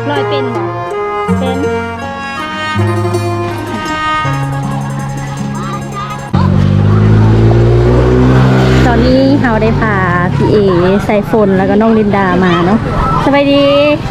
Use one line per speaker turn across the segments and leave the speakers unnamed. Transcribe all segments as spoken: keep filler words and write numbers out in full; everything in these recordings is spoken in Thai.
ลอยเป็นบ่เป็นตอนนี้เราได้พาพี่เอใส่ฝนแล้วก็น้องลินดามาเนาะสบายดี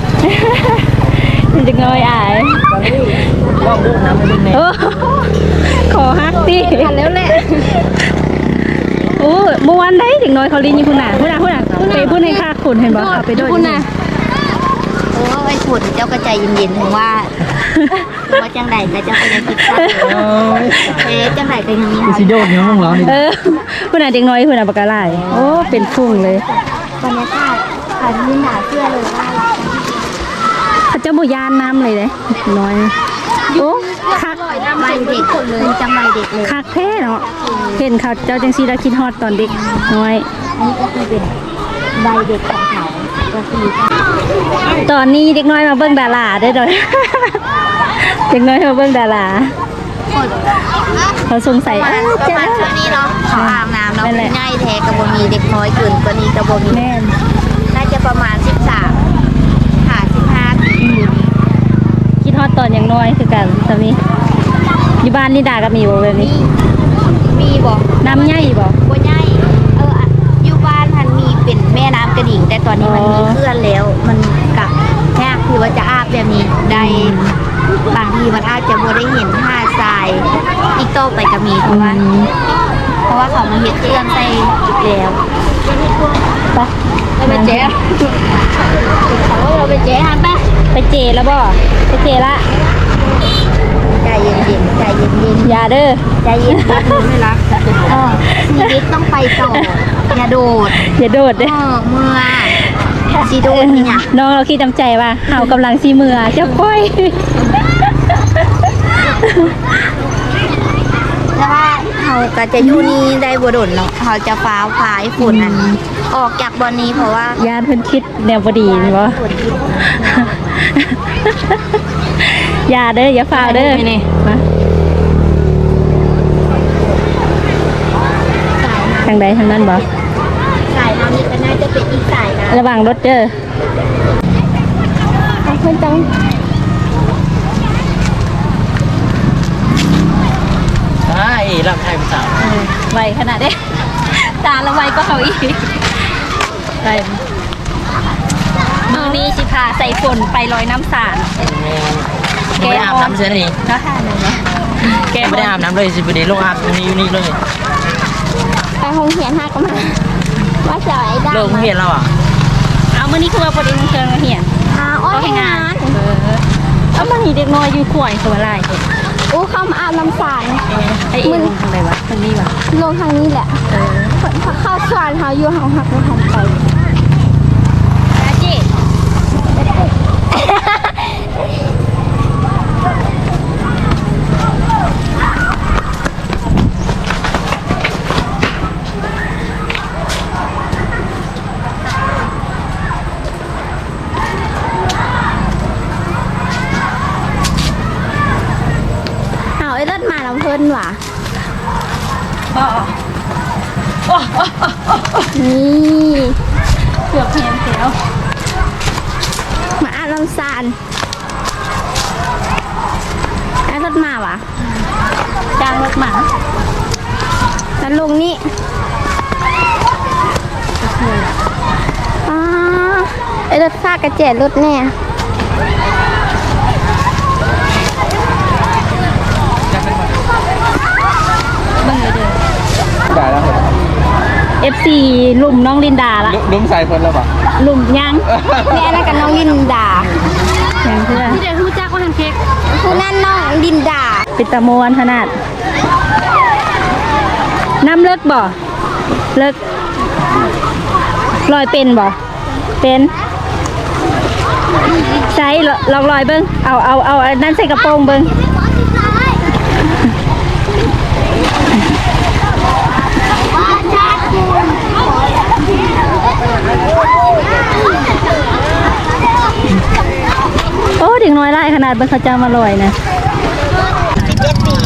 จะงอยอาย
รอบลูกน้ำไม่เป็นไง
ขอฮักดิทันแล้วแหละโอ้เมื่อวานได้ถึงน้อยเขาลินอยู่คุณน่ะคุณน่ะคุณน่ะไปพูดให้ค่าขุนเห็นบ่เอาไปด้วยคุณน่ะ
โอ้ไอ้ขุนเจ้าก็ใจเย็นๆถึงว่าว่าจังใดก็เจ้าก็ยังคิดว่าเอ๊ะจังใดก็ยังมี
สิโดดเนี่ยมึงเหรอ
เออคุณน่ะเด็กน้อยคุณน่ะปากกาไหลโอ้เป็นฟุ้งเลย
บรรยากาศขาดนินหนาเชื่อเลยว่า
เขาจะบ่ยานน้ำเลยเลยน้อยโอ้คัก
ใบเด็กเลยจังใบเด็กเลย
คักแท้เนาะเห็นเขาเจ้าจังซีได้คิดฮอดตอนเด็กน้อย
นี่ก็คือเป็นใบเด็กของเขาก็คือ
ตอนนี้เด็กน้อยมาเบิ่งดาราได้ด้วยเด็กน้อยมาเบิ่งดาราเขาสงสัย
ประมาณช่วงนี้เนาะเขาอาบน้ำเนาะง่ายแท้กระโบมีเด็กน้อยเกินกว่านี้กระโบมี
แม่
น่าจะประมาณสิบสามค่ะสิบห้าปี
คิดฮอดตอนยังน้อยคือกันตอนนี้อยู่บ้านนี่ดาก็มีบ่แบบนี้
มีบ่
น้ำใหญ่บ่
บ่ใหญ่เอออยู่บ้านมันมีเป็นแม่น้ำกระดิ่งแต่ตอนนี้มันมีเคลื่อนแล้วมันกับยากคือว่าจะอาบแบบนี้ได้บางทีมันอาจจะบ่ได้เห็นหาดทรายอีกต่อไปก็มีเพราะว่าเพราะว่าเขามาเห็ดเคลื่อนใส่แล้ว
ไป
เราไปเจ๊เราไปเจ๊ฮะไป
ไปเจแล้วบ่ไปเจละ
ใจเย็นๆใจเย็นๆ
อย่าเด้อ
ใจเย็นๆไม่รักชีวิตต้องไปต่ออย่าโดด
อย่าโดดเด้อ
เมื่อชีโดดนี่นะ
น้องเราคิดจำใจว่าเฮากำลังซีเมือจะค่อย
แล้วว่าเขาก็จะอยู่นี่ได้บ่โดนเนาะเขาจะฟ้าพายฝุ่นอันออกจากบอนนี้เพราะว่า
ญาติเพิ่นคิดแนวบ่ดีบ่อย่าเด้ออย่าฟ้าเด้อนี่มาทางใดทางนั้นบ่
สายน้ำนี่ก็น่าจะเป็นอีกสายนะ
ระวังรถเด้อเพิ่นจัง
ใช่รับไทยภาษา
ไวขนาดนี้ตาละไวก็เขาอีกไปมือนี้สิพาใส่ฝนไปลอยน้ำสาด
แกอาบน้ำเสียนี่
ก็ค่ะหนึ่งเนาะ
แกไม่ได้อาบน้ำเลยสิบเดือนลงอาบตรงนี้อยู่นี่เลย
ไปห้องเหียนห้าก็มาว่าจะไอ้ดา
เลิกเหียนแล้วอ่ะ
เอามื่อนี้คือว่าประเด็นเชิงเหียน
อ้าวให้งาน
เออเอามาหีเด็กน้อยอยู่ข่วยตัวอะไร
โอ้เข้ามาอาบน้ำสาร
ไอ้มึงทางไหนวะทางนี้วะ
ลงทางนี้แหละเออเข้าสวนเขาอยู่ห้องหักไม่ทันไปจีมาแล้วเพิ่นว่ะนี่
เกือบเพียงแล้ว
มาอาลำซานไอ้รถมาว่ะ
จ้างรถมา
แล้วลงนี่อ๋อไอ้รถซากกระเจ็ดรถเนี่ย
เบิ่งเลยเด้อ
ได้แล้ว
เอฟ ซี ลุ่มน้องลินดาละ
ลุ่มใส่เพิ่นแล้วป่ะ
ลุ่มยัง
แม่นั่นกับน้องลินดา
อย่างเพื่อ
ที่เดี๋ยวรู้จักว่าทางเค้กผู้นั่นน้องลินดา
ปิตามวนขนาดน้ำเลิกบ่เลิกลอยเป็นบ่เป็นใส่ลองลอยเบิ้งเอาเอาเอานั่นใส่กระโปรงเบิ้งโอ้เด็กน้อยไล่ขนาดเป็นเขาจะมาลอยนะ
สิบเอ็ดปี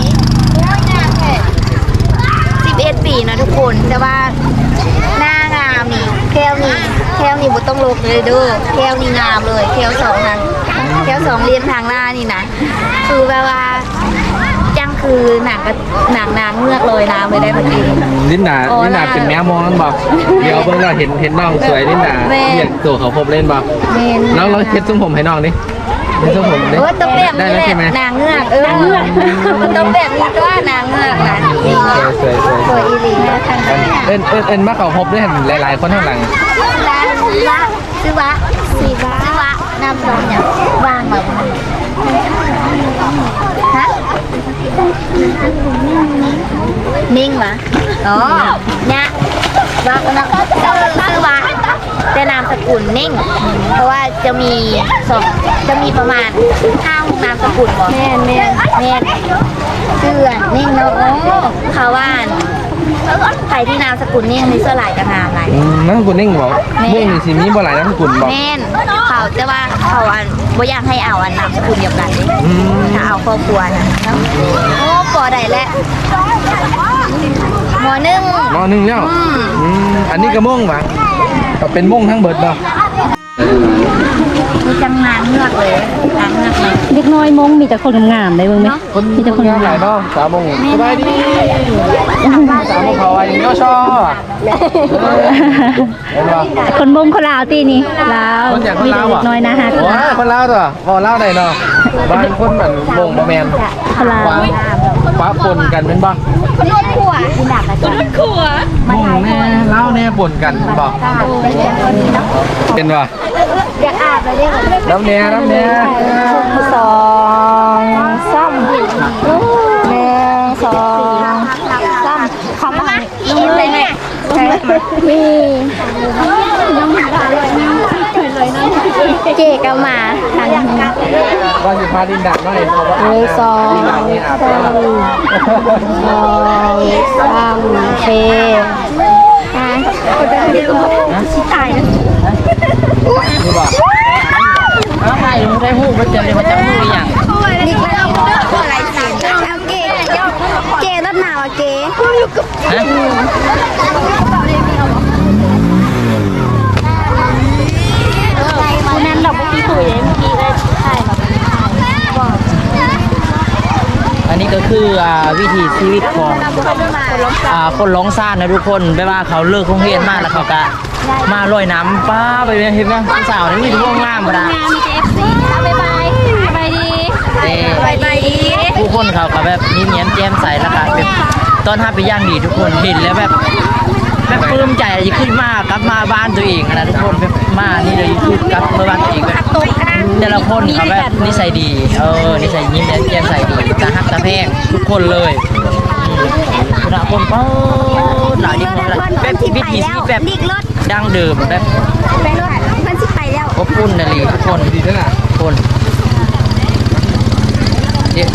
สิบเอ็ดปีนะทุกคนแต่ว่าหน้างามนี่แก้วนี่แก้วนี่บุต้องลกเลยเด้อแก้วนี่งามเลยแก้วสองนั้นสองเหลี่ยมทางหน้านี่นะคือแบบว่าจังคือหนังกับหนังนางเงือกลอยน้ำไปได้พอดี
ลินดา
โอ้
ลินดา
น่า
เป็นแมวมองนั่นบอกเดี๋ยวเพิ่งเราเห็นเห็นน้องสวยลินดา
แม่
เรียกตัวเขาพบเล่นบอก
เมน
น้องเราเช็ดทรงผมให้น้องดิเช็ดทรงผมดิ
โอ้ยต้องแบบ
ได้
นี้
แล้ว
แหละ
ใช่ไหม
นางเงือกเออมันต้องแบบนี้ก็ว่านางเงือกนะนี่
สวยสวยสวย
สวยอีหลีนะทางนี้
เอ็นเอ็นเอ็นมาเขาพบด้วยเห็นหลายๆคนข้างหลัง
ร้านวะซื้อวะสีวะซื้อวะน้ำซองเนี่ยวางแบบฮะนิ่งวะอ๋อเนี่ยว่าก็นะซื้อวะแต่นามสกุลนิ่ง เพราะว่าจะมีสองจะมีประมาณห้าหกนามสกุลบ่แม่นแม่นแม่นเสื้อนิ่งเนาะโอ้เขาว่านใครที่นามสกุลนิ่งนี่เสื้อลายกระงามลาย
อืมน้ำกุลนิ่งบอก
แม่
มุ่งนี่สิมีบ่หลายน้ำกุลบอก
แม่นเขาจะว่าเขาอันบ่อยากให้เอาอันนามสกุลเดียวกันเลย
อืม
ถ้าเอาครอบครัวนะโอ้ปอได้แล้วหมอหนึ่ง
มอหนึ่งแล้ว
อืม
อืมอันนี้ก็ม่วงปะก็เป็นม่วงทั้งเบิดเนาะ
มีจังนางเงือกเลยนางเงือกเลย
เด็กน้อยมงมีแต่คนงามๆได้เบิ่งไหม
คน
มีแต่คน
งามหลาย
งาม
เนาะสาวมงสบายดีสาวมงเขาอะไรอย่างเงี้ยชอบเห็นปะ
ๆคนมงคนลาวตีนี่ลาว
คนจากคน
มี
ลา
แต่
ว
เด็
อ่ะ
กน้อยนะฮะ
โอ้ยคนลาวตัวบอกลาวได้เนาะบางคนเหมือนมงบะแมน
คนลาว
ฟ้าฟ้าปนกันเป็นบ่
คนรุ่นขัวที่หนักอะจ้ะ
มงแน่ลาวแน่ปนกันบ่เป็นบ่
อยากอาบเลยได้ไหม
น้ำแน่น้ำแน่
สองสามหนึ่งสองสามคำว่าลงเลยเนี่ยนี่เจก็มาทางนี้
ว่าสิพาดินดักหน่อยเพราะว่า
หนึ่งสอง
ดินดักนี่อาบ
สา
น้
มสองสามเฟอ่ะคนจะเรียกว่าชิตายนะ
ำนี่บ่
เอาไปลงได้หูมันจะเรียกว่าจะหูอย่าง
นี่ก็เอาอะไรเสียงเอาเก๋เก๋รถหนาวเก๋
ฮะ
คนนั้นดอกเมื่อกี้คุยเลยเมื่อกี้ได้ใช่แบบบอก
อันนี้ก็คืออ่าวิถีชีวิตของอ่าคนร้องซ่านนะทุกคนไม่ว่าเขาเลิกโรงเรียนมาแล้วเขาก็มาลอยน้ำป้าไปเห็นไหมผู้สาวนี่มีทุกวงงามหมดอะ
งานมีเอฟซีบ๊ายบายบ๊ายบายดี
เด้
บ๊ายบายดี
ผู้คนเขาก็แบบยิ้มแย้มแจ่มใสแล้วก็แบบต้อนรับไปนอย่างดีทุกคนเห็นแล้วแบบแบบปลื้มใจจะขึ้นมากลับมาบ้านตัวเองนะทุกคนแบบมานี่เลยคือกลับมาบ้านตัวเองแบบแต่ละคนเขาแบบนิสัยดีเออนิสัยยิ้มแย้มแจ่มใสดีตาฮักตาแพงทุกคนเลยอืมคุณอาคนเป้าหลายคนแบบวิถีชีวิตแบบ
ดิกรถ
ดั้งเดิมแบบ
ไปรถมันสิไปแล้ว
อบอุ่นนะลีทุกคน
ดีด้วยนะ
ทุกคนเดี๋ยว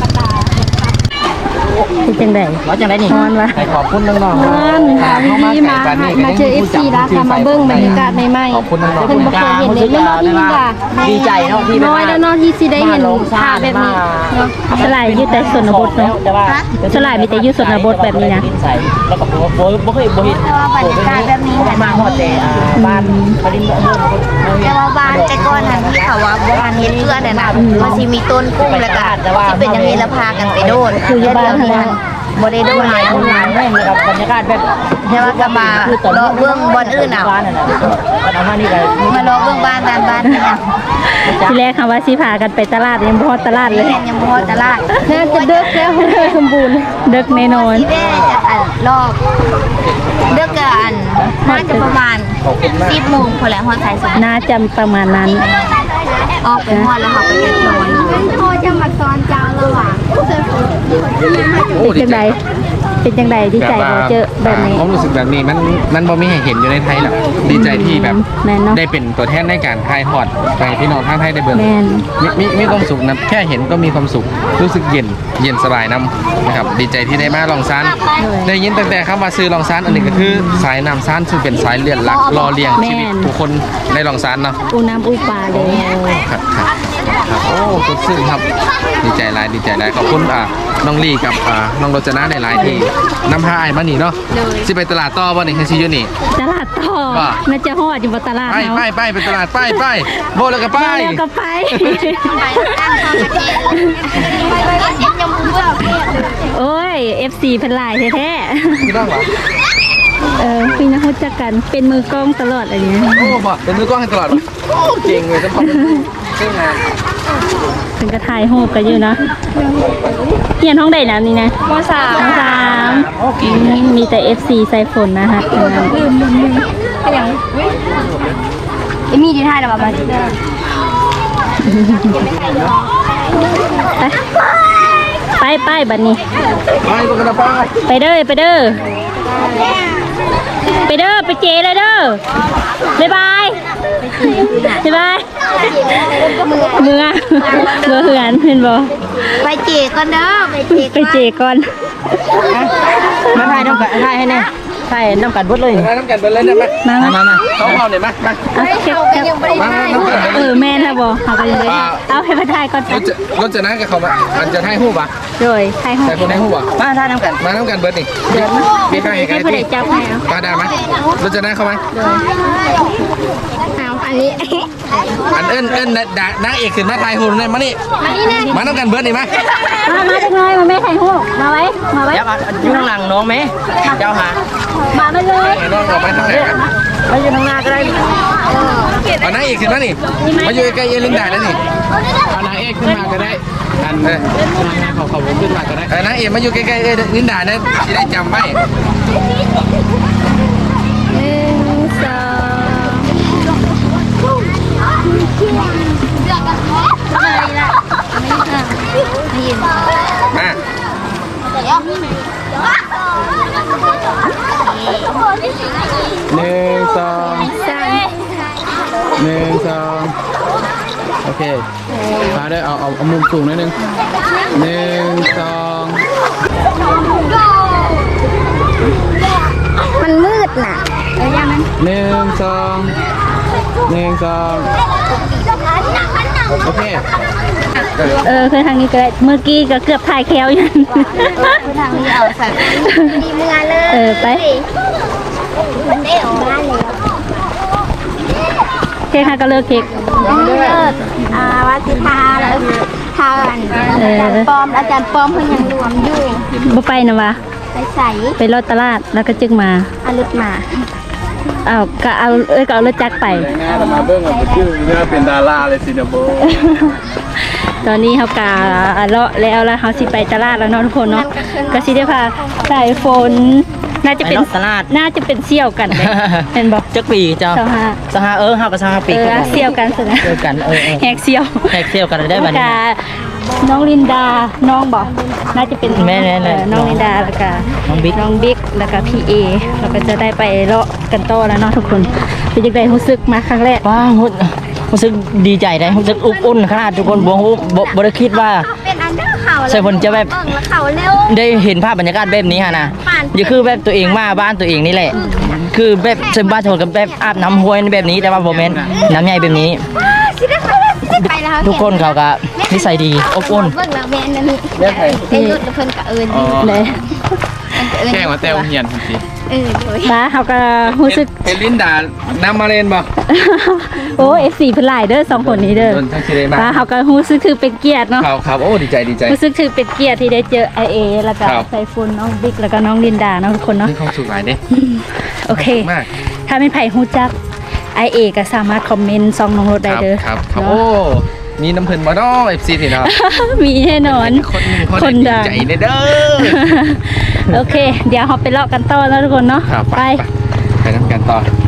เป็นจังได๋
เราจะได้นี่
ฮอนวะ
ให้ขอบคุณน้องๆ
ฮอน
ค่ะ
ดีมามาเจอ เอฟ ซี แล้วค่ะมาเบิ่งบรรยากาศใหม่ๆ
ขอบคุณน้องๆ
เพิ่นบ่เคยเห็นเลยเนาะพี่จ้ะ
ดีใจเนาะที่
น้อยแล้วเนาะที่สิได้เห็น
มาลง
ภาพแบบนี้
มา
เนาะสลายอยู่แต่ชนบทเนาะ
แต่ว่า
สลายมีแต่อยู่ชนบทแบบนี้นะ
ใส่แล้วก็บ่บ่บ่เคยบ่เห็น
บรรยากาศแบบนี้
เพราะว่ามาฮอดแต่อ่าบ้านปริมเมือง
แต่ว่าบ้านแต่ก่อนนั้นที่เขาว่าบ้านเฮ็ดเพื่อนน่ะนะมันสิมีต้นกุ้งแล้วก็ที่เป็นอย่างนี้แล้วพากันไปโดด
คืออยู่บ้าน
เดี๋ยวนี้มันบ่ได้โดดหลายคน
งานแม่งเลยครับบรรยากาศแบบ
แต่ว่าก็มาเลาะเบื้องบอนอื่นเอา
บ้านนั่นน่ะมันเอามานี่ก็
มาเลาะเบื้องบ้านบ้านบ้านนี่นะ
ทีแรกคำว่าสิพากันไปตลาดยังบ่ฮอดตลาดเลย
แม่นยังบ่ฮอดตลาด
น่าจะเดึกแล้วสมบูรณ์เดึกแน่นอน
ที่แม่จะอันรอบเดือกก็อันน่าจะประมาณสิบโมงพอแล้วฮอดสายสุด
น่าจะประมาณนั้น
ออกไปฮอดแล้วเขาไปเก็บนอนพ่อจะมาสอนเจ้าระหว่าง
โอ้
เป็น
ดี
จัง
ใจ
ไดเป็นจังไดดีใจบ่เจอแบบนี้
ความรู้สึกแบบนี้มันมันบ่มีให้เห็นอยู่ในไทยหรอกดีใจที่แบบ
แม่นเนาะ
ได้เป็นตัวแทนในการถ่ายทอดไปพี่น้องทางไทยได้เบิ่ง
แม่น
มีมีมีความสุขนะแค่เห็นก็มีความสุขรู้สึกเย็นเย็นสบายน้ำนะครับดีใจที่ได้มาลองซานได้ยินตั้งแต่คำว่าซื้อลองซานอันนี้ก็คือสายน้ำซานซึ่งเป็นสายเลือดหลักรอเลี้ยงชีวิตผู้คนในลองซานเนาะ
อูน้ำอูปลาเลย
ครับครับครับโอ้สดชื่นครับดีใจหลายดีใจหลายขอบคุณอ่าน้องลี่กับอ่าน้องโรจนะในหลายที่นำพาไอ้มานี่เนาะสิไปตลาดต่อบ่นี่คือสิอยู่นี่
ตลาดต่อ
ว่า
น่าจะฮอดอยู่บ่ตลาด
ไป
เนาะ
ไปไปไปตลาดไปไปโบแล้วก็ไป
ไปแล้วก็ไป
ไปตั้งข้าวกระเทียมเสียงยำมือ
โอ้ย เอฟ ซี เพิ่นหลายแท้
พี่น้องเหรอ
ๆเออพี่น้องรู้จักกันเป็นมือกล้องตลอดอะไรเงี้ย
โอ้บ่เป็นมือกล้องให้ตลอดโอ้เก่งเลยทั้งคนเก่งงาน
ถึงกระถ่ายรูปกันอยู่นะเฮียนห้องใดนะนี่นะมสามมสามมีแต่ เอฟ ซี ใส่ฝนนะคะลืมลืมลืมยังมีดีท่าแต่ว่าไปไปบัดนี้
ไปตัวกันนะป้า
ไปเด้อไปเด้อไปเด้อไปเจเลยเด้อบ๊ายบายบ๊ายบายเมื่อเมื่อเหือนเห็นบ่
ไปเจก่อนเด้อไปเจ
ไปเจก่อน
มาถ่ายน้ำกันถ่ายให้แน่ถ่ายน้ำกันบดเลย
มาน้ำกันเดินเล่นได้ไหม
มา
มา
มา
มามา
เขาเอาหน่อยมามา
เอาเก็บเก็บ
มามาน้ำกัน
เออแม่นะบ่เอาไปเลยเอาให้มาถ่ายก่อน
รถจะรถจะนั่งกับเขามาอันจะให้หูป่ะ
โดยถ่ายห้อง
แต่คนให้หูป่ะ
มาถ่ายน้ำกัน
มาน้ำกันเบิร์ดนี่
เดี๋ยว
มีใคร
ให้
ใคร
ผู้ใด
ที่
จับให้เอา
ปลาดาไหมรถจะนั่งเข้ามา
เอาอันนี้
อันเอิ้นเอิ้นด่านางเอกขึ้นมาถ่ายหูเลยมานี่มาน้ำกันเบิร์ดนี่มา
มามาจังเลยมาแม่ถ่ายรูปมาไว้มาไว้
เดี๋ยวอยู่ข้างหลังน้องไหมเจ้าหา
มามาเลย
น้องออกไปทางไหนกัน
ไปอยู่ข้างหน้าก็ได้
เอานางเอกขึ้นมานี่มาอยู่ใกล้ๆเอลินดาแล้วนี่เอานางเอกขึ้นมาก็ได้อันเออนางเขาเขาขึ้นมาก็ได้เออนางเอกมาอยู่ใกล้ๆเอลินดาเนี่ยจะได้จำไว้
หนึ่งสอง
มา หนึ่งสองหนึ่งสองโอเคมาด้วยเอาเอาเอามุมสูงนิดนึงหนึ่งสอง
มันมืดน่ะเออยังมัน
หนึ่งสองหนึ่งสองโอเค
เออคือทางนี้ก็ได้เมื่อกี้ก็เกือบถ่ายแคลอยู่
ทางนี้เอาสัตว์ดีเมื่อเลย
เออไป
มันได้ออกมาแล้ว
เค้กค่ะก็เลิกเค้ก
เลิศอ่าวัดสิทาแล้วทาอันอาจารย์ปอมอาจารย์ปอมเพิ่นยังรวมอยู่
บ่ไปนะวะ
ไปใส่
ไปรถตลาดแล้วก็จึงมา
อารุดมา
อ้าวก็เอาเอ้ยก็เอารถจักรไป
มาเบิ้งอ่ะชื่อเนี่ยเป็นดาราเลยสินะโบ
ตอนนี้เขากาเลาะแล้วแล้วเขาสิไปตลาดแล้วเนาะทุกคนเนาะก็สิได้พาสายฝนน่าจะเป็น
ไปตลาด
น่าจะเป็นเสี่ยวกันเลยเห็นบอก
จักปีเจ้า
เจ้าฮะ
สหาเออเฮากับสหาปี
เออเสี่ยวกันสินะ
เจอกันเออเออ
แหกเสี่ยว
แท็กเซลกันได้บัดนี้
กาน้องลินดาน้องบอกน่าจะเป็น
แม่แน่ๆ
เออน้องลินดาแล้วก็
น้องบิ๊ก
น้องบิ๊กแล้วก็พี่เอเราก็จะได้ไปเลาะกันต่อแล้วเนาะทุกคนเป็นยังไงรู้สึกมาครั้งแรก
ว้าวรู้สึกดีใจได้รู้สึกอบอุ่นขนาดทุกคนบ่ฮู้บ่บ่ได้คิดว่า
เป็นอันเดอร์เขา
ใช่เพิ่นจะแบบ
เบิ่งแล้วเขาเร็ว
ได้เห็นภาพบรรยากาศแบบนี้ฮะนะ
ผ่าน
อย่าคือแบบตัวเองมาบ้านตัวเองนี่แหละ คือแบบเช่นบ้านชนกับแบบอาบน้ำห้วยแบบนี้แต่ว่าโมเมนต์น้ำใหญ่แบบนี้
สิได้ไปแล้วสิได้ไปแล้ว
ทุกคนเขาก็นิสัยดีอบอุ่น
เบิ่งแล้วแม่นั่นนี่ไอ้ยุดเพิ่นก็เอิ้นอยู่
เลย
เพิ่นก็เอิ้น
แค่ว่าแต่เฮียนทันที
เออโดย
ป้าเขาก็รู้สึก
เอลินดาน้ำมาเลนบ่
โอ้เอฟซีเพิ่นหลายเด้อสองคนนี้เด้อ
โดนทั้งสิได้มา
ป้าเขาก็รู้สึกถือเป็นเกียรติเนาะ
ครับครับโอ้ดีใจดีใจ
รู้สึกถือเป็นเกียรติที่ได้เจอไอเอแล้วก็
ครับ
ไซฟุนน้องบิ๊กแล้วก็น้องลินดาเนาะทุกคนเนาะ
มีความสุขหลายเด้
โอเค
มาก
ถ้าไม่ไผ่ฮู้จักไอเอก็สามารถคอมเมนต์ซองน้องรถได้
ครับ
เด้อ
ครับครับ
เนาะ
โอ้มีน้ำเพลินมาดอเอฟซีนี่เนาะ
มีแน่นอน
คนหนึ่งคน
คน
ดี
ดัง
ใจเลยเด้อ
โอเค เดี๋ยวเราไปเลาะกันต่อแล้วทุกคนเนาะ
ครับ
ไป
ไปทำกันต่อ